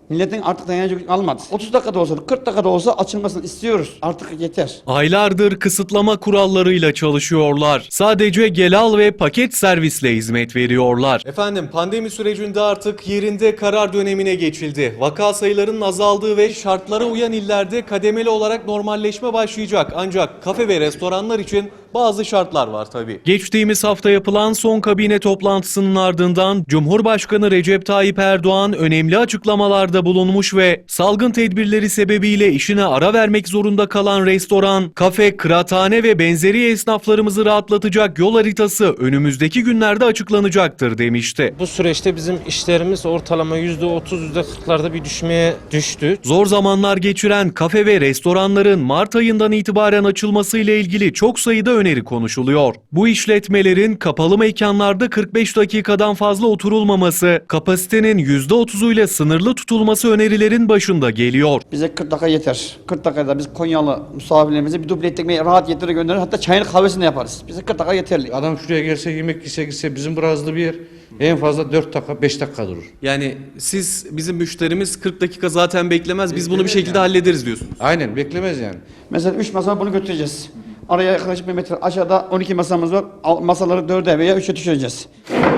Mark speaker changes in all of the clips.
Speaker 1: Milletin artık dayanacak gücü kalmadı. 30 dakikada olsa, 40 dakikada olsa açılmasını istiyoruz. Artık yeter.
Speaker 2: Aylardır kısıtlama kurallarıyla çalışıyorlar. Sadece gel al ve paket servisle hizmet veriyorlar. Efendim, pandemi sürecinde artık yerinde karar dönemine geçildi. Vaka sayılarının azaldığı ve şartlara uyan illerde kademeli olarak normalleşme başlayacak. Ancak kafe ve restoranlar için bazı şartlar var tabii. Geçtiğimiz hafta yapılan son kabine toplantısının ardından Cumhurbaşkanı Recep Tayyip Erdoğan önemli açıklamalarda bulunmuş ve salgın tedbirleri sebebiyle işine ara vermek zorunda kalan restoran, kafe, kıraathane ve benzeri esnaflarımızı rahatlatacak yol haritası önümüzdeki günlerde açıklanacaktır demişti.
Speaker 3: Bu süreçte bizim işlerimiz ortalama %30, %40'larda bir düşmeye düştü.
Speaker 2: Zor zamanlar geçiren kafe ve restoranların Mart ayından itibaren açılmasıyla ilgili çok sayıda öneri konuşuluyor. Bu işletmelerin kapalı mekanlarda 45 dakikadan fazla oturulmaması, kapasitenin %30'uyla sınırlı tutulması önerilerin başında geliyor.
Speaker 1: Bize 40 dakika yeter. 40 dakikada biz Konyalı misafirlerimize bir duble ekmeği rahat getirir gönderir. Hatta çayını kahvesini de yaparız. Bize 40 dakika yeterli.
Speaker 4: Adam şuraya gelse, yemek yese gitse, bizim burası bir yer en fazla 4 dakika 5 dakika durur.
Speaker 2: Yani bizim müşterimiz 40 dakika zaten beklemez. Biz bunu bir şekilde hallederiz diyorsunuz.
Speaker 4: Aynen, beklemez yani.
Speaker 1: Mesela 3 masa bunu götüreceğiz. Araya yaklaşık 1 metre aşağıda 12 masamız var. Masaları 4'e veya 3'e düşüreceğiz.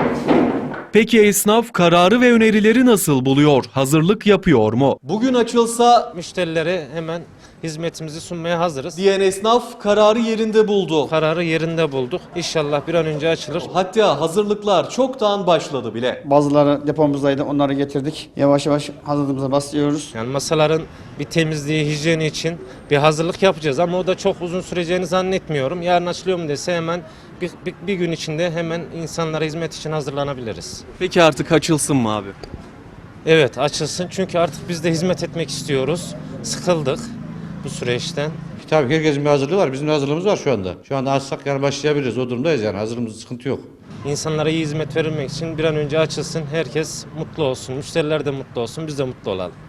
Speaker 2: Peki esnaf kararı ve önerileri nasıl buluyor? Hazırlık yapıyor mu? Bugün açılsa
Speaker 3: Müşterilere hemen hizmetimizi sunmaya hazırız.
Speaker 2: diyen esnaf kararı yerinde buldu.
Speaker 3: Kararı yerinde bulduk. İnşallah bir an önce açılır.
Speaker 2: Hatta hazırlıklar çoktan başladı bile.
Speaker 1: Bazıları depomuzdaydı. Onları getirdik. Yavaş yavaş hazırlığımıza başlıyoruz.
Speaker 3: Yani masaların bir temizliği, hijyeni için bir hazırlık yapacağız ama o da çok uzun süreceğini zannetmiyorum. Yarın açılıyor mu dese hemen bir gün içinde hemen insanlara hizmet için hazırlanabiliriz.
Speaker 2: Peki artık açılsın mı abi?
Speaker 3: Evet, açılsın çünkü artık biz de hizmet etmek istiyoruz. Sıkıldık bu süreçten.
Speaker 4: Tabii herkesin bir hazırlığı var. Bizim de hazırlığımız var şu anda. Şu anda açsak yani başlayabiliriz. O durumdayız yani. Hazırlığımız, sıkıntı yok.
Speaker 3: İnsanlara iyi hizmet verilmek için bir an önce açılsın. Herkes mutlu olsun. Müşteriler de mutlu olsun. Biz de mutlu olalım.